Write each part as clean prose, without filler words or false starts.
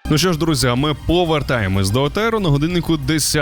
Ну що ж, друзі, ми повертаємось до етеру на годиннику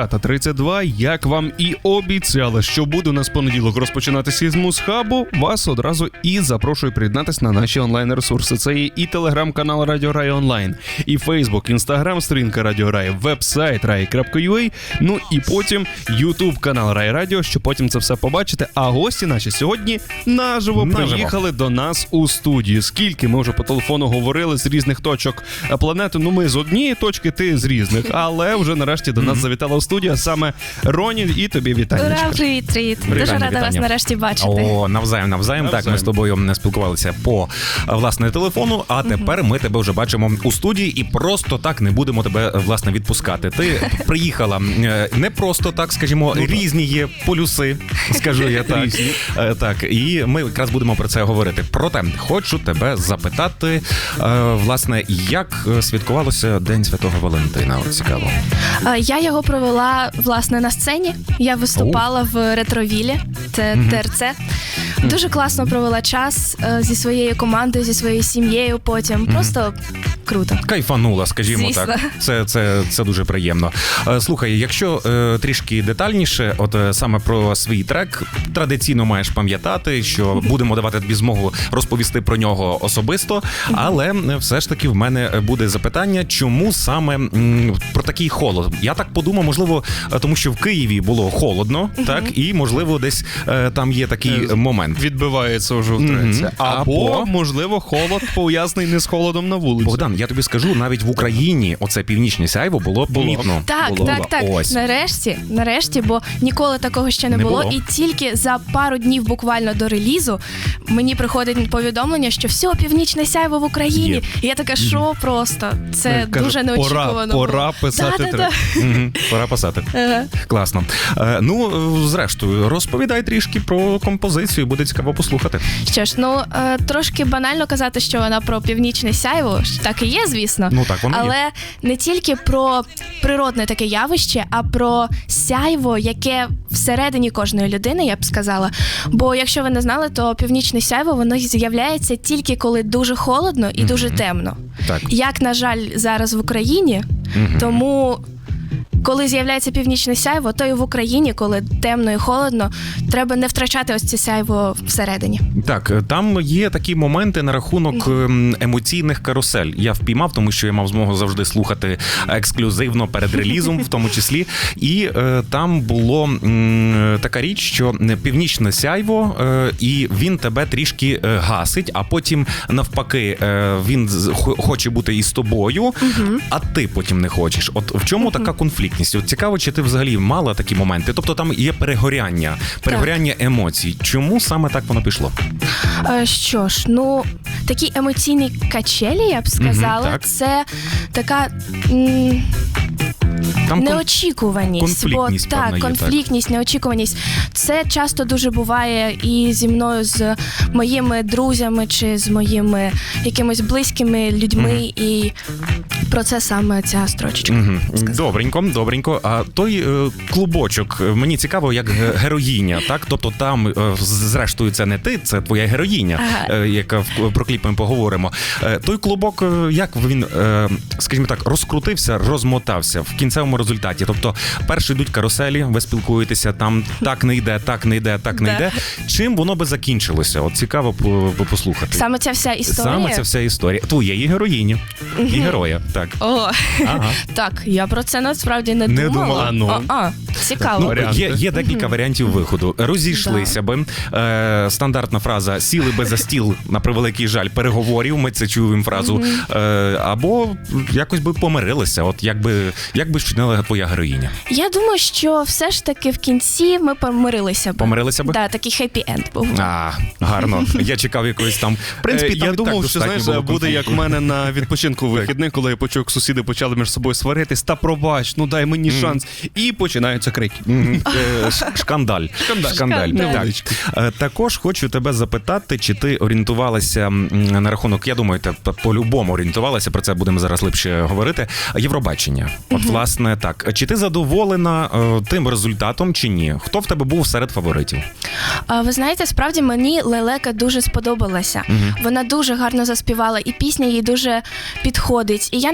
10:32. Як вам і обіцяли, що буде у нас понеділок розпочинатися із Музхабу, вас одразу і запрошую приєднатися на наші онлайн-ресурси. Це є і телеграм-канал Радіо Рай Онлайн, і Фейсбук, Інстаграм, сторінка Радіо Рай, веб-сайт rai.ua, ну і потім Ютуб-канал Рай Радіо, щоб потім це все побачити. А гості наші сьогодні наживо приїхали до нас у студію. Скільки ми вже по телефону говорили з різних точок планети, ну ми з однієї точки, ти з різних, але вже нарешті до нас завітала у студію саме Роні, і тобі вітання. Ура, привіт. Дуже рада вас нарешті бачити. О, навзаєм. Так, ми з тобою спілкувалися по, власне, телефону, а тепер ми тебе вже бачимо у студії і просто так не будемо тебе, власне, відпускати. Ти приїхала не просто так, скажімо, різні є полюси, скажу я так. Так, і ми якраз будемо про це говорити. Проте, хочу тебе запитати, власне, як святкувалося День Святого Валентина? От цікаво. Я його провела, власне, на сцені. Я виступала в Ретровілі, це ТРЦ. Дуже класно провела час зі своєю командою, зі своєю сім'єю потім. Просто круто. Кайфанула, скажімо. Звісно. Так. Це дуже приємно. Слухай, якщо трішки детальніше, от саме про свій трек, традиційно маєш пам'ятати, що будемо давати тобі змогу розповісти про нього особисто, але все ж таки в мене буде запитання, чому саме про такий холод? Я так подумав, можливо, тому що в Києві було холодно, так, і, можливо, десь там є такий момент. Відбивається вже втретє. Або, можливо, холод пов'язаний не з холодом на вулиці. Богдан, я тобі скажу, навіть в Україні оце північне сяйво було помітно. Так. Ось. Нарешті, бо ніколи такого ще не було. І тільки за пару днів буквально до релізу мені приходить повідомлення, що все, північне сяйво в Україні. Є. І я така, що просто? Це дуже неочікувано. Пора писати трек. Пора писати. Класно. Зрештою, розповідай трішки про композицію, буде цікаво послухати. Що ж, трошки банально казати, що вона про північне сяйво, так і є, звісно. Ну так, воно є. Але не тільки про природне таке явище, а про сяйво, яке всередині кожної людини, я б сказала. Бо якщо ви не знали, то північне сяйво, воно з'являється тільки коли дуже холодно і дуже темно. Так. Як, на жаль, зараз в Україні, тому... Коли з'являється північне сяйво, то і в Україні, коли темно і холодно, треба не втрачати ось це сяйво всередині. Так, там є такі моменти на рахунок емоційних карусель. Я впіймав, тому що я мав змогу завжди слухати ексклюзивно перед релізом, в тому числі. І там було така річ, що північне сяйво, і він тебе трішки гасить, а потім навпаки він хоче бути із тобою, а ти потім не хочеш. От в чому така конфліктність? От цікаво, чи ти взагалі мала такі моменти? Тобто там є перегоряння емоцій. Чому саме так воно пішло? Що ж, такі емоційні качелі, я б сказала, це така... Там неочікуваність. Конфліктність, неочікуваність. Це часто дуже буває і зі мною, з моїми друзями, чи з моїми якимось близькими людьми, і про це саме ця строчечка. Добренько. А той клубочок, мені цікаво, як героїня, так? Тобто там, зрештою, це не ти, це твоя героїня, яка про кліп ми поговоримо. Той клубок, як він, скажімо так, розкрутився, розмотався в кінцевому результаті. Тобто, перші йдуть каруселі, ви спілкуєтеся, там так не йде. Чим воно би закінчилося? От цікаво послухати. Саме ця вся історія? Твоєї героїні і героя, так. Так, я про це насправді не думала. Цікаво. Є декілька варіантів виходу. Розійшлися би. Стандартна фраза «сіли би за стіл, на превеликий жаль, переговорів», ми це чуємо фразу. Або якось би помирилися. От як би вчинила твоя героїня? Я думаю, що все ж таки в кінці ми помирилися б. Помирилися би? Так, такий хеппі-енд був. Гарно. Я чекав якоїсь там... В принципі, я думав, що, знаєш, буде як в мене на відпочинку вихідних, коли я почув, як сусіди почали між собою сваритись, та пробач, дай мені шанс. І починаються крики. Шкандаль. Так. Також хочу тебе запитати, чи ти орієнтувалася на рахунок, я думаю, ти по-любому орієнтувалася, про це будемо зараз глибше говорити, Євробачення. От, власне, так. Чи ти задоволена тим результатом, чи ні? Хто в тебе був серед фаворитів? Ви знаєте, справді мені Лелека дуже сподобалася. Вона дуже гарно заспівала, і пісня їй дуже підходить. І я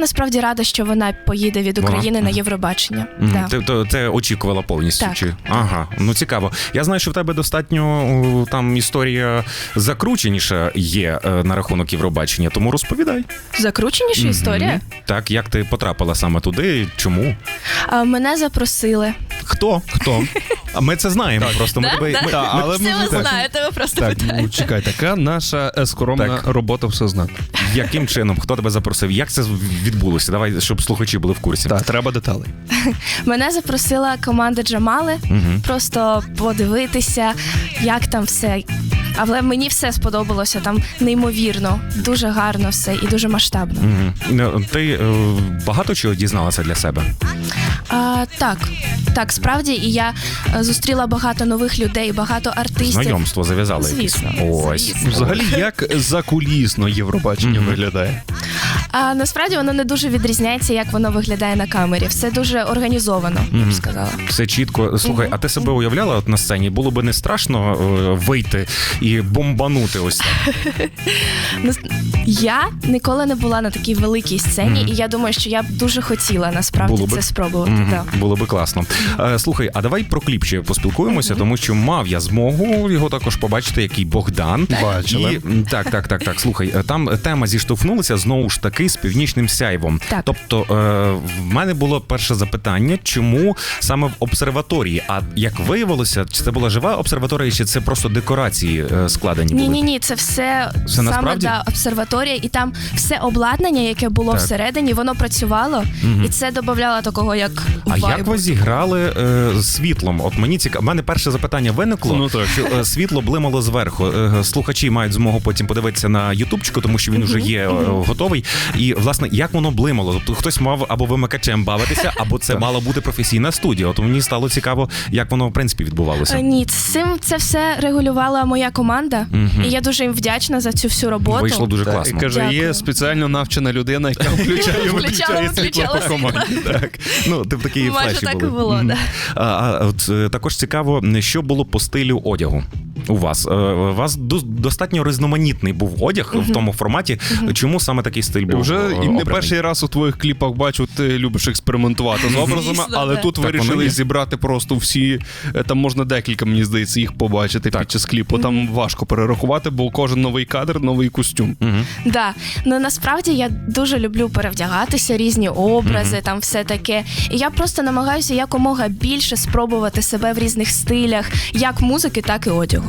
насправді рада, що вона поїде від України на Євробачення. Да. Ти очікувала повністю? Так. Чи? Ага, ну цікаво. Я знаю, що в тебе достатньо там історія закрученіша є на рахунок Євробачення, тому розповідай. Закрученіша історія? Так, як ти потрапила саме туди, чому? Мене запросили. Хто? А ми це знаємо просто. Але все ви знаєте, ви просто питаєте. Ну, чекай, така наша скромна робота все знати. Яким чином? Хто тебе запросив? Як це відбулося? Давай, щоб слухачі були в курсі. Так, треба деталей. Мене запросила команда Джамали, просто подивитися, як там все. Але мені все сподобалося, там неймовірно, дуже гарно все і дуже масштабно. Ти багато чого дізналася для себе? Так, справді, і я зустріла багато нових людей, багато артистів. Знайомство зав'язали. Звісно. Ось. Взагалі, як закулісно Євробачення виглядає? Насправді воно не дуже відрізняється, як воно виглядає на камері. Все дуже організовано, я б сказала. Все чітко. Слухай, а ти себе уявляла от на сцені? Було би не страшно вийти і бомбанути ось так? Я ніколи не була на такій великій сцені, і я думаю, що я б дуже хотіла насправді це спробувати. Да. Було би класно. Слухай, а давай про кліп ще поспілкуємося, тому що мав я змогу його також побачити, який Богдан. Бачили. Так. Слухай, там тема зіштовхнулася знову ж таки з Північним Сяйвом. Так. Тобто, в мене було перше запитання, чому саме в обсерваторії? А як виявилося, чи це була жива обсерваторія, чи це просто декорації складені були? Ні, це все саме обсерваторія, і там все обладнання, яке було всередині, воно працювало, і це додавало такого, як вайбу. А як ви зіграли світлом? От мені цікаво, в мене перше запитання виникло, що світло блимало зверху. Слухачі мають змогу потім подивитися на ютубчику, тому що він вже є готовий. І, власне, як воно блимало? Тобто хтось мав або вимикачем бавитися, або це мала бути професійна студія. От мені стало цікаво, як воно, в принципі, відбувалося. Ні, це все регулювала моя команда, і я дуже їм вдячна за цю всю роботу. Вийшло дуже класно. Каже, є спеціально навчена людина, яка включає світло по команді. Так. Ну, ти в такій флеші були. Майже так і було, да. От також цікаво, що було по стилю одягу у вас. У вас достатньо різноманітний був одяг в тому форматі. Чому саме такий стиль був вже обраний? і не перший раз у твоїх кліпах бачу, ти любиш експериментувати з образами, але тут вирішили зібрати просто всі, там можна декілька, мені здається, їх побачити під час кліпу. Там важко перерахувати, бо кожен новий кадр, новий костюм. Да. Ну, насправді я дуже люблю перевдягатися, різні образи, там все таке. І я просто намагаюся якомога більше спробувати себе в різних стилях, як музики, так і одягу.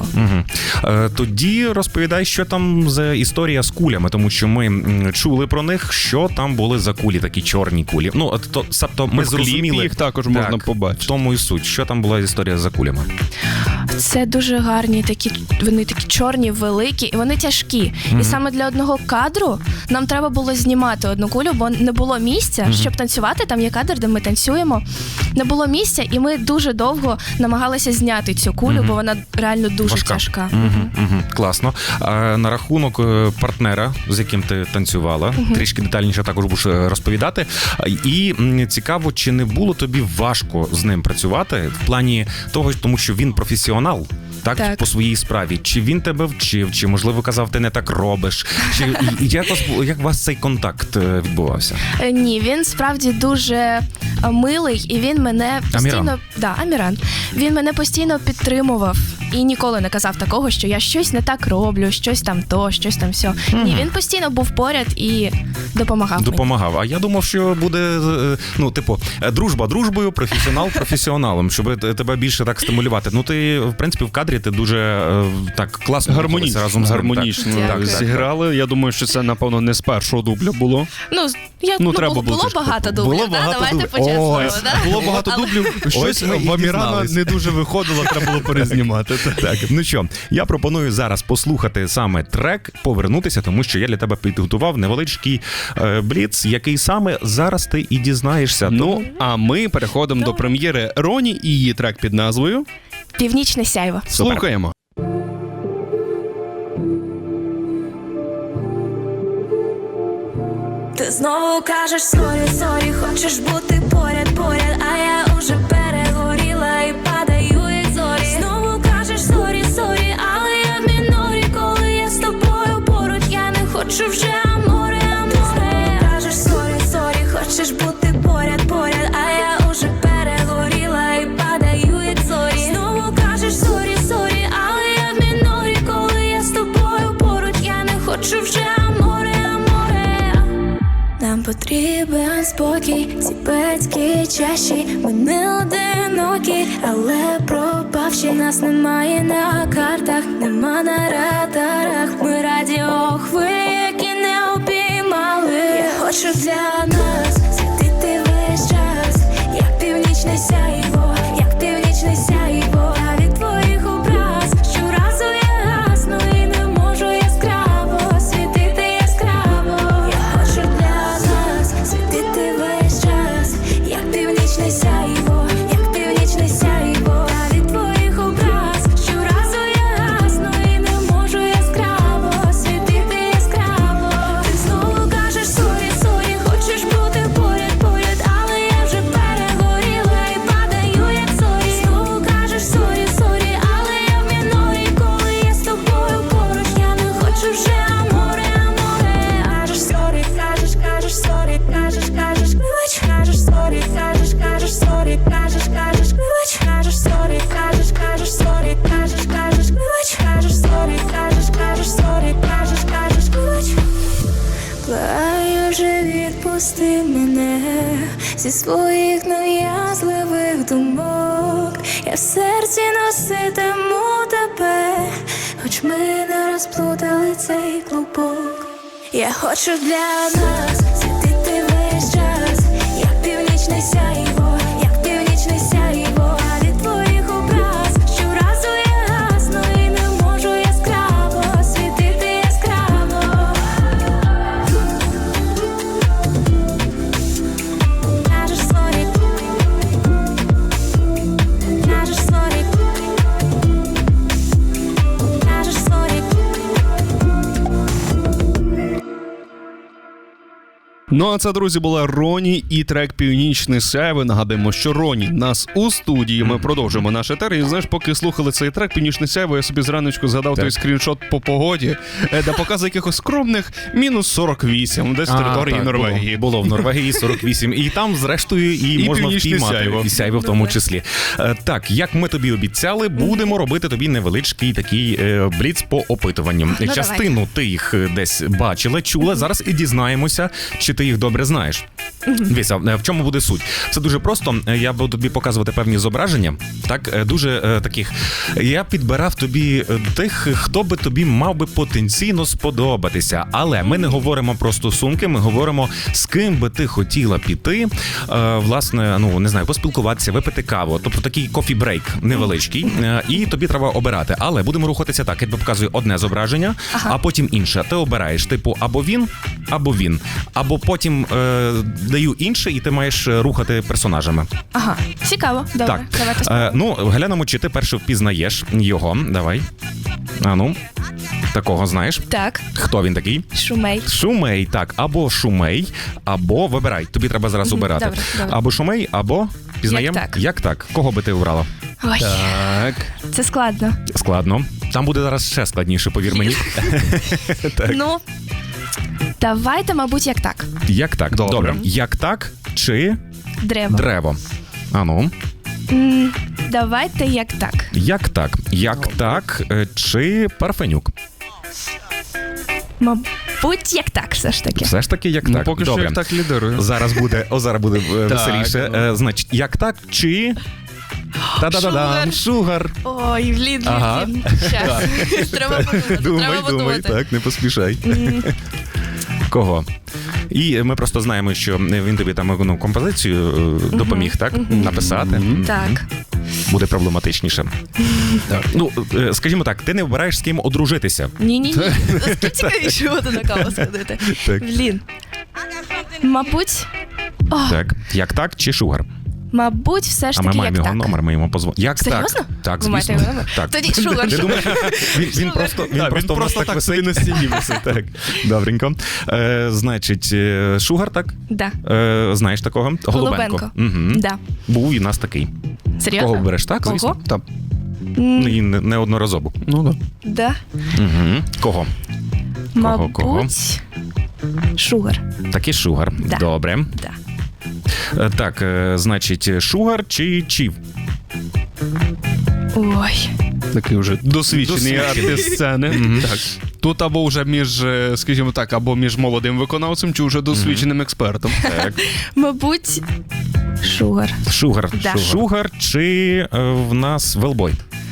Тоді розповідай, що там за історія з кулями, тому що ми чули про них, що там були за кулі, такі чорні кулі. Ну, тобто ми зрозуміли, їх також можна побачити. В тому і суть. Що там була історія за кулями? Це дуже гарні, вони такі чорні, великі, і вони тяжкі. І саме для одного кадру нам треба було знімати одну кулю, бо не було місця, щоб танцювати. Там є кадр, де ми танцюємо. Не було місця, і ми дуже довго намагалися зняти цю кулю, бо вона реально дуже тяжка. Класно. На рахунок партнера, з яким ти танцювала, трішки детальніше також будеш розповідати. І цікаво, чи не було тобі важко з ним працювати в плані того, тому що він професіонал, так, по своїй справі. Чи він тебе вчив, чи, можливо, казав, ти не так робиш? Чи як у вас цей контакт відбувався? Ні, він справді дуже милий, і він мене постійно... Аміран. Він мене постійно підтримував і ніколи не казав такого, що я щось не так роблю, щось там то, щось там все. Ні, він постійно був поряд і допомагав. Допомагав. А я думав, що буде, дружба дружбою, професіонал професіоналом, щоб тебе більше так стимулювати. Ну, ти, в принципі, в кадрі ти дуже так класно гармонічно разом з гармонічно зіграли. Я думаю, що це, напевно, не з першого дубля було. Було багато дублів, давайте по-чесному. Було багато дублів, щось в Амірана не дуже виходило, треба було перезнімати. Так, ну що, я пропоную зараз послухати саме трек, повернутися, тому що я для тебе підготував невеличкий бліц, який саме зараз ти і дізнаєшся. Ну, а ми переходимо до прем'єри Роні і її трек під назвою «Північне сяйво». Слухаємо. Ти знову кажеш сорі, хочеш бути поряд, а я уже перегоріла і падаю як зорі. Знову кажеш сорі, але я в мінорі, коли я з тобою поруч, я не хочу вже аморе. Ти знову кажеш сорі, Потрібен спокій, ці батьки чаші. Ми не одинокі, але пропавші. Нас немає на картах, нема на радарах. Ми радіохвилі, які не обіймали. Я хочу для нас світити весь час, як північне сяйво, як північне сяйво. А від твоїх образ щоразу я гасну і не можу яскраво світити яскраво. Я хочу для нас світити весь час, як північне сяйво, як північне сяйво. А від твоїх образ щоразу я гасну і не можу яскраво світити яскраво. Ти знову кажеш сорі, сорі, хочеш бути поряд, поряд, але я вже перегоріла і падаю як зорі. Знову кажеш сорі, сорі, але я в мінорі, коли я з тобою поруч. Я не хочу вже аморе, аморе. Кажеш сорі, кажеш сорі, кажеш вибач. Кажеш сорі, кажеш сорі, кажеш вибач. Кажеш сорі, кажеш сорі, кажеш вибач. Кажеш сорі, кажеш сорі, кажеш вибач. Благаю вже відпусти мене зі своїх нав'язливих думок. Я в серці носитиму тебе, хоч ми не розплутали цей клубок. Я хочу для нас світити весь час, як північне сяйво, як північне сяйво. А від твоїх образ щоразу я гасну і не можу яскраво світити яскраво. Кажеш сорі, кажеш сорі, кажеш сорі. Ну а це, друзі, була Роні і трек «Північне сяйво». Нагадаємо, що Роні нас у студії. Ми продовжуємо наш етер. І знаєш, поки слухали цей трек «Північне сяйво», я собі зраночку згадав той скріншот по погоді, де показує якихось скромних мінус 48, десь в території Норвегії. Було в Норвегії 48. І там, зрештою, і можна «Північне впіймати сяйво». і сяйво в тому числі. Так, як ми тобі обіцяли, будемо робити тобі невеличкий такий бліц по опитуванням. Ну, Частину ти їх десь бачила, чула. Зараз і дізнаємося, чи ти їх добре знаєш. Дивіться, в чому буде суть? Це дуже просто. Я буду тобі показувати певні зображення. Так, дуже таких. Я підбирав тобі тих, хто би тобі мав би потенційно сподобатися. Але ми не говоримо про стосунки, ми говоримо, з ким би ти хотіла піти, власне, ну, не знаю, поспілкуватися, випити каву. Тобто такий кофі-брейк невеличкий. І тобі треба обирати. Але будемо рухатися так. Я тобі показую одне зображення, а потім інше. Ти обираєш, типу, або він, або він. Або потім даю інше, і ти маєш рухати персонажами. Ага, цікаво. Добре, Так. давайте спробуємо. Ну, глянемо, чи ти перше впізнаєш його. Давай. А ну, такого знаєш. Так, Хто він такий? Шумей. Шумей, так. Або Шумей, або вибирай. Тобі треба зараз обирати. Добре, добре. Або Шумей, або пізнаємо. Як так. Як так? Кого би ти обрала? Ой, Так. це складно. Складно. Там буде зараз ще складніше, повір мені. Так. Ну, давайте, мабуть, як так. Як так? Добре. Як так чи Древо. древо? А ну. Давайте як так. Як так? Як так чи Парфенюк? Мабуть, як так, все ж таки. Все ж таки, як Ну, так. поки Добре. що як так лідирує. Зараз буде веселіше. ну. Значить, як так чи... Та-да-да-дам, Шугар. Ой, блін. Ага. Щас. Треба подумати. Думай, треба подумати. так, не поспішай. Кого? І ми просто знаємо, що він тобі там композицію допоміг, так? Написати. Так. Буде проблематичніше. Ну, скажімо так, ти не вибираєш, з ким одружитися. Ні-ні-ні. Наскільки цікавіше буде на каву сходити. Так. Блін. Мабуть... О, Так. Як так чи Шугар? мабуть, все ж А ми таки маємо як його так. номер, ми йому позвонимо. Як Серйозно? так? Так, Ви маєте звісно. його номер? Так. Тоді Шугар. Ти думаєш, він просто у нас так висить на стіні висить. Так, добренько. Значить, Шугар, так? Да. Знаєш такого? Голубенко. Угу. Да. Був і у нас такий. Серйозно? Кого береш? Так, Кого? звісно. Так. І неодноразово. Ну, да. Да. Угу. Кого? Мабуть, Шугар. Такий Шугар. Да. Добре. Да. Так, значить, Шугар чи Чів? Ой. Такий вже досвідчений артист сцени. Так. Тут або вже між, скажімо так, або між молодим виконавцем, чи вже досвідченим експертом. Так. Мабуть, Шугар. Шугар. Да. Шугар чи в нас Велбой?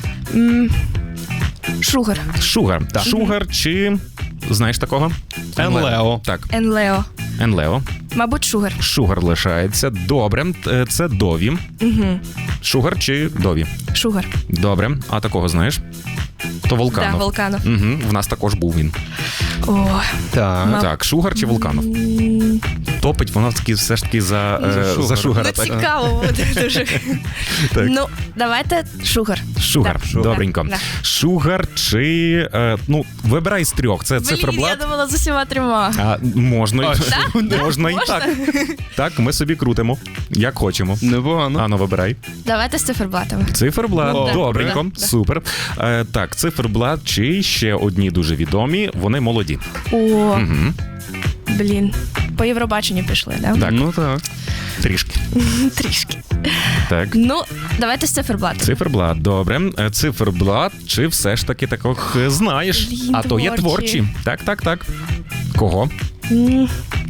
Шугар. Шугар. Так. Шугар чи знаєш такого? Енлео. Так, Енлео. Енлео. Мабуть, Шугар. Шугар лишається. Добре, це Дові. Угу. Шугар чи Дові? Шугар. Добре. А такого знаєш? То Волканов. Да, Волканов. Угу. В нас також був він. О, Так. Так, Шугар чи Волканов? Топить вона все ж таки за Шугара. Шугара. ну так? цікаво буде дуже. Так. Ну, давайте Шугар. Шугар. Да. Добренько. Да. Шугар чи... вибирай з трьох. Це Блін, я циферблат. думала з усіма трьома. А, можна, А, можна і так. Так, ми собі крутимо, як хочемо. Непогано. Ану, вибирай. Давайте з циферблатами. Циферблат, О, добренько, да. супер. Так, циферблат чи ще одні дуже відомі, вони молоді. О, Угу. блін. По Євробаченню пішли, да? Так. Ну так. Трішки. Трішки. Так. Ну, давайте з циферблатами. Циферблат, добре. Циферблат, чи все ж таки таких знаєш? Блін, А то є творчі. творчі. Так. Кого? М,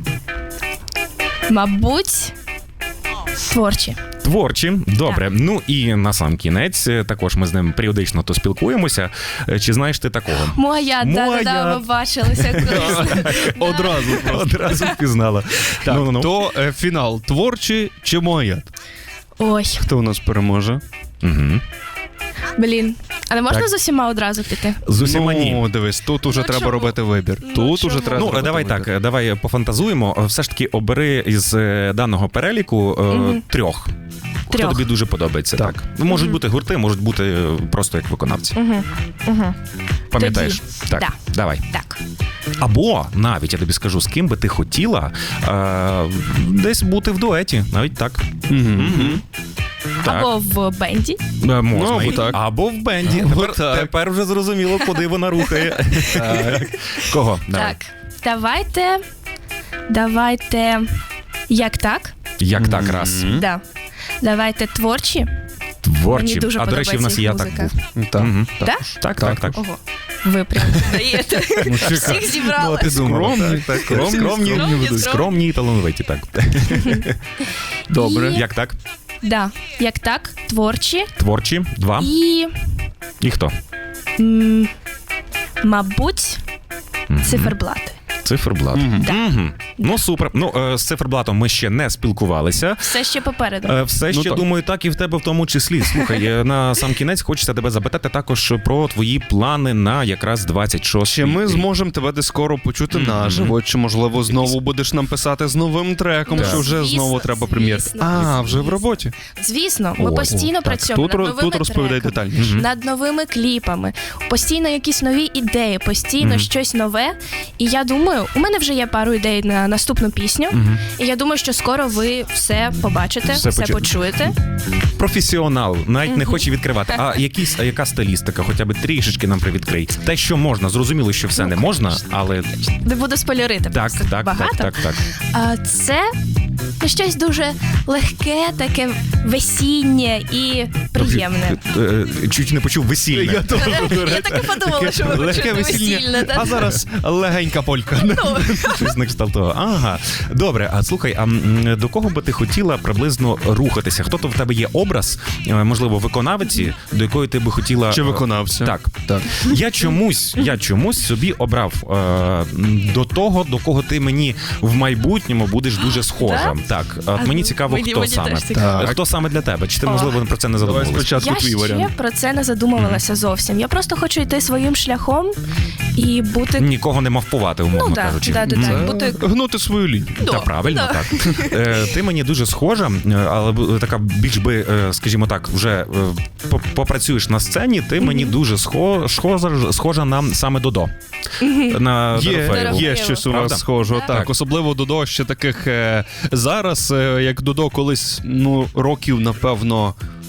Мабуть, творчі. Творчі, добре. Так. Ну і на сам кінець, також ми з ним періодично то спілкуємося. Чи знаєш ти такого? Моя, да, ми бачилися колись. Одразу просто. Одразу впізнала. Так, Ну-ну-ну. то фінал. Творчі чи Моят? Ой, Хто у нас переможе? Угу. блін. А не можна Так. з усіма одразу піти? З усіма ні. Ну, дивись, тут уже Ну, треба чому? робити вибір. Ну, Тут чому? уже треба Ну, робити давай вибір. так, давай пофантазуємо. Все ж таки обери із даного переліку трьох. Хто Трьох. тобі дуже подобається. Так. Так. Можуть бути гурти, можуть бути просто як виконавці. Угу. Пам'ятаєш? Так, Да. давай. Так. Або навіть я тобі скажу, з ким би ти хотіла десь бути в дуеті. Навіть так. Мгм. Так. Або в бенді. Можна. Ну, або і- так. Або в бенді. Або Тепер, так. тепер вже зрозуміло, куди вона рухає. Кого? Давай. Так. Давайте. Як так? Як так раз? Да. Давайте творчі. Творчі. Мені дуже А до речі, в нас подобається і я їх так музика. був. Так. Мгм. Да? Так. Ого. Ви прям даєте. Всіх зібрали. Скромні, скромні. Скромні і талановиті, так. Добре. І- Як так? Да. Як так? Творчі. Творчі, два. І, І хто? мабуть, циферблати. Циферблат. Да. Мгм. Ну, супер. Ну, з циферблатом ми ще не спілкувалися. Все ще попереду. Все ще, так. думаю, так і в тебе в тому числі. Слухай, на сам кінець хочеться тебе запитати також про твої плани на якраз 26 Чи ми рік. зможемо тебе десь скоро почути наживо? Чи можливо знову будеш нам писати з новим треком? Ну, Чи вже звісно, знову треба прем'єр? звісно, Вже в роботі. Звісно, ми О, постійно Так, працюємо тут, над новими тут розповідай треками, детальніше. над новими кліпами, постійно якісь нові ідеї, постійно щось нове. І я думаю, у мене вже є пару ідей на наступну пісню. І я думаю, що скоро ви все побачите, Все все почуєте. Професіонал, навіть не хоче відкривати. А яка стилістика, хоча б трішечки нам привідкрий. Те, що можна, зрозуміло, що все не можна, але Не буду спойлерити, так, просто так, багато. так. А це щось дуже легке, таке весіннє і приємне. Чуть не почув весільне. Я так і подумала, що ви Легке почуєте весільне. весільне. А зараз легенька полька. Щось на кшталт того. Ага. Добре, а слухай, до кого би ти хотіла приблизно рухатися? Хто то в тебе є образ, можливо, виконавиці, до якої ти би хотіла... Чи виконавця? Так. Так. Я чомусь собі обрав до того, до кого ти мені в майбутньому будеш дуже схожа. Так, от мені цікаво, хто мені саме. теж цікаво. Так. Хто саме для тебе? Чи ти, можливо, про це не Давай задумувалась? спочатку Я твій ще варіант. про це не задумувалася зовсім. Я просто хочу йти своїм шляхом і бути. Нікого не мавпувати, умовно Ну, да, кажучи. да, Мгм. бути. Гнути свою лінію. Та правильно, так. Ти мені дуже схожа, але така більш би, скажімо так, вже попрацюєш на сцені, ти мені дуже схожа на саме Додо. На Дорофеєву. Є щось у Правда? вас схожого. Так. Так, особливо Додо ще таких зараз, як Додо колись, років, напевно,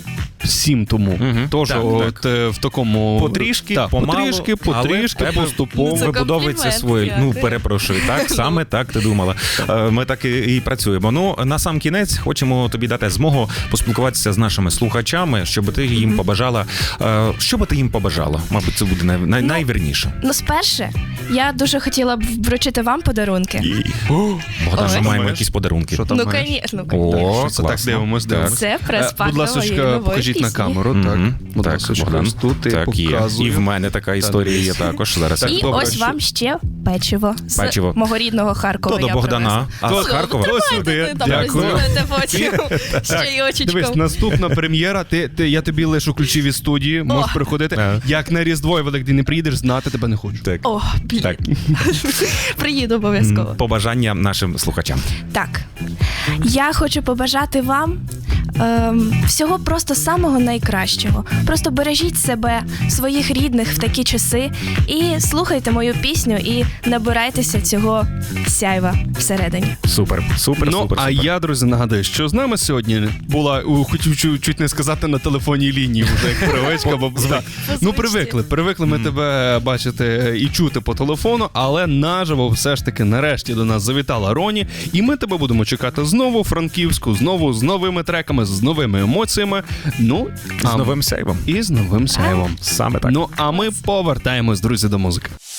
7 тому. Тож Так, от в такому... Потрішки, так, помалу, потрішки, але в тебе поступово. Це вибудовується комплімент, своє. Ну, дякую. перепрошую, так, саме так ти думала. Ми так і працюємо. Ну, на сам кінець хочемо тобі дати змогу поспілкуватися з нашими слухачами, щоб ти їм побажала. Що би ти їм побажала? Мабуть, це буде найвірніше. Ну, сперше, я дуже хотіла б вручити вам подарунки. Богдан, ми Ось. маємо якісь подарунки. Що там Ну, маєш? звісно. О, Це так, класно. дивимось. Це прес-пак Будь ласка, нової нової покажіть на пісні. камеру. Так, будь Так, ласка, Богдан. ось тут і Так, є. показую. І в мене така історія є також. Зараз. Так, І добре, ось що- вам ще печиво з Печиво. мого рідного Харкова. То до я Богдана, а То- з Харкова. то сюди. Там Дякую. розділите потім з Дивись, чайочечком. наступна прем'єра. Я тобі лишу ключі від студії, можеш приходити. Ага. Як на Різдво і Великдень не приїдеш, знати тебе не хочу. Так. О, блін. Так. Приїду обов'язково. Побажання нашим слухачам. Так. Я хочу побажати вам всього просто самого найкращого. Просто бережіть себе, своїх рідних в такі часи і слухайте мою пісню і набирайтеся цього сяйва всередині. Супер, супер, Ну, супер. а супер. я, друзі, нагадую, що з нами сьогодні була, хотів чуть не сказати, на телефонній лінії вже як привичка, бо ну привикли ми тебе бачити і чути по телефону, але наживо все ж таки нарешті до нас завітала Роні, і ми тебе будемо чекати знову у Франківську, знову з новими треками, з новими емоціями, ну, З новим сейвом. і з новим сяйвом. Саме так. Ну, а ми повертаємось, друзі, до музики.